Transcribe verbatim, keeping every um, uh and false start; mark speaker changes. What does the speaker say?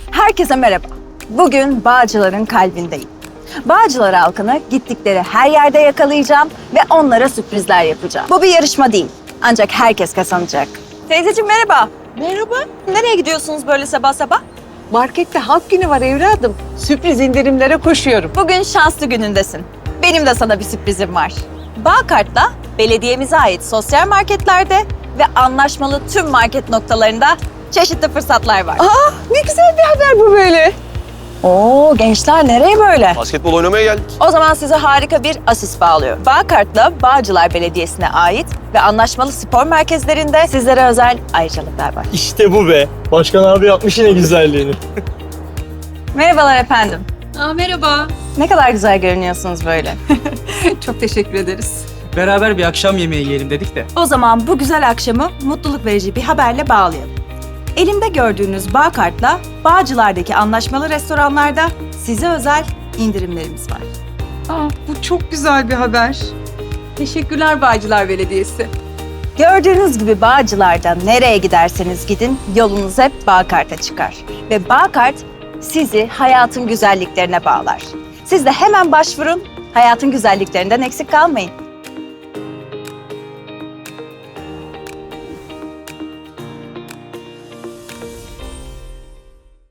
Speaker 1: Herkese merhaba. Bugün Bağcılar'ın kalbindeyim. Bağcılar halkını gittikleri her yerde yakalayacağım ve onlara sürprizler yapacağım. Bu bir yarışma değil. Ancak herkes kazanacak. Teyzeciğim merhaba.
Speaker 2: Merhaba.
Speaker 1: Nereye gidiyorsunuz böyle sabah sabah?
Speaker 2: Markette halk günü var evladım. Sürpriz indirimlere koşuyorum.
Speaker 1: Bugün şanslı günündesin. Benim de sana bir sürprizim var. Bağkart'la belediyemize ait sosyal marketlerde ve anlaşmalı tüm market noktalarında çeşitli fırsatlar var.
Speaker 2: Aa, ne güzel bir haber bu böyle.
Speaker 1: Oo gençler nereye böyle?
Speaker 3: Basketbol oynamaya geldik.
Speaker 1: O zaman size harika bir asist bağlıyorum. Bağkart'la Bağcılar Belediyesi'ne ait ve anlaşmalı spor merkezlerinde sizlere özel ayrıcalıklar var.
Speaker 4: İşte bu be. Başkan abi yapmış yine güzelliğini.
Speaker 1: Merhabalar efendim.
Speaker 5: Aa, merhaba.
Speaker 1: Ne kadar güzel görünüyorsunuz böyle.
Speaker 5: Çok teşekkür ederiz.
Speaker 4: Beraber bir akşam yemeği yiyelim dedik de.
Speaker 1: O zaman bu güzel akşamı mutluluk verici bir haberle bağlayalım. Elimde gördüğünüz Bağkart'la Bağcılar'daki anlaşmalı restoranlarda size özel indirimlerimiz var.
Speaker 5: Aa, bu çok güzel bir haber. Teşekkürler Bağcılar Belediyesi.
Speaker 1: Gördüğünüz gibi Bağcılar'da nereye giderseniz gidin yolunuz hep Bağkart'a çıkar. Ve Bağkart sizi hayatın güzelliklerine bağlar. Siz de hemen başvurun, hayatın güzelliklerinden eksik kalmayın.